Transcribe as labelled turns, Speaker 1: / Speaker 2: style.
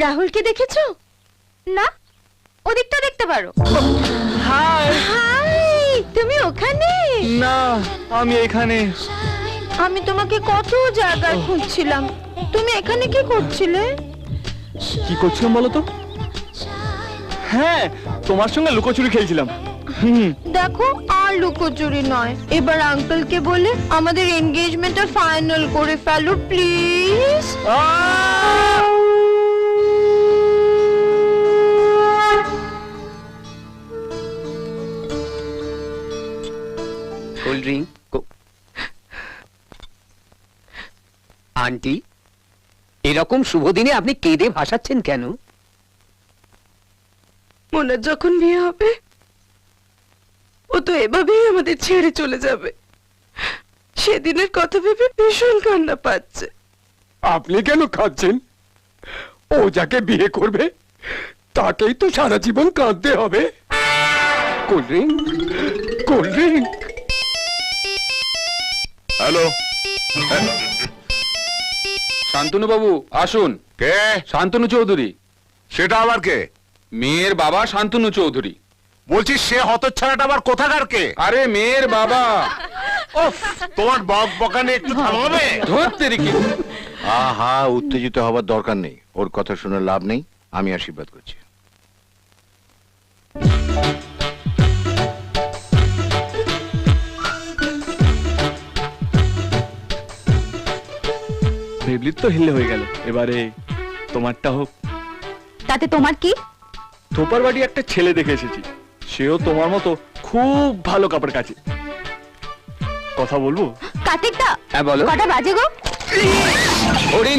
Speaker 1: রাহুলকে দেখেছো? না, ওদিকটা দেখতে পারো।
Speaker 2: হাই
Speaker 1: হাই, তুমি ওখানে?
Speaker 2: না, আমি এখানে।
Speaker 1: আমি তোমাকে কত জায়গায় খুঁজছিলাম, তুমি এখানে কি করছিলে?
Speaker 2: কি করছিলাম বলো তো? হ্যাঁ, তোমার সঙ্গে লুকোচুরি খেলছিলাম।
Speaker 1: দেখো, আর লুকোচুরি নয়, এবার আঙ্কেলকে বলে আমাদের এনগেজমেন্টটা ফাইনাল করে ফেলো প্লিজ।
Speaker 3: Cold drink. আন্টি, এরকম শুভ দিনে আপনি কেঁদে ভাসাচ্ছেন কেন?
Speaker 4: মোনার যখন বিয়ে হবে, ও তো এভাবেই আমাদের ছেড়ে চলে যাবে। সেদিনের কথা ভেবে ভীষণ কান্না পাচ্ছে।
Speaker 5: আপনি কেন খাচ্ছেন? ও যাকে বিয়ে করবে তাকেই তো সারা জীবন কাঁদতে হবে। Cold drink, cold drink.
Speaker 6: Hello,
Speaker 7: Shantanu babu আসুন।
Speaker 6: কে?
Speaker 7: শান্তনু চৌধুরী,
Speaker 6: সেটা আবার কে?
Speaker 7: মেয়ের বাবা শান্তনু চৌধুরী।
Speaker 6: বলছি সে হতচ্ছাড়াটা আবার কোথাকার কে?
Speaker 7: আরে মেয়ের বাবা।
Speaker 6: উফ, তোমার বক বকানে একটু থামাবে?
Speaker 7: ধরতে রেখে।
Speaker 8: আহা, উত্তেজিত হবার দরকার নেই। ওর কথা শুনে লাভ নেই। আমি আশীর্বাদ করছি।
Speaker 2: ভেবলির তো হিলে হয়ে গেল, এবারে তোমারটা হোক।
Speaker 1: তাতে তোমার কি?
Speaker 2: থোপার বাড়ি একটা ছেলে দেখে এসেছি, সেও তোমার মতো খুব ভালো কাপড় কাচে। কথা বলবো?
Speaker 1: কার্তিকদা,
Speaker 3: হ্যাঁ বলো।
Speaker 1: কটা বাজে গো?
Speaker 3: ওরে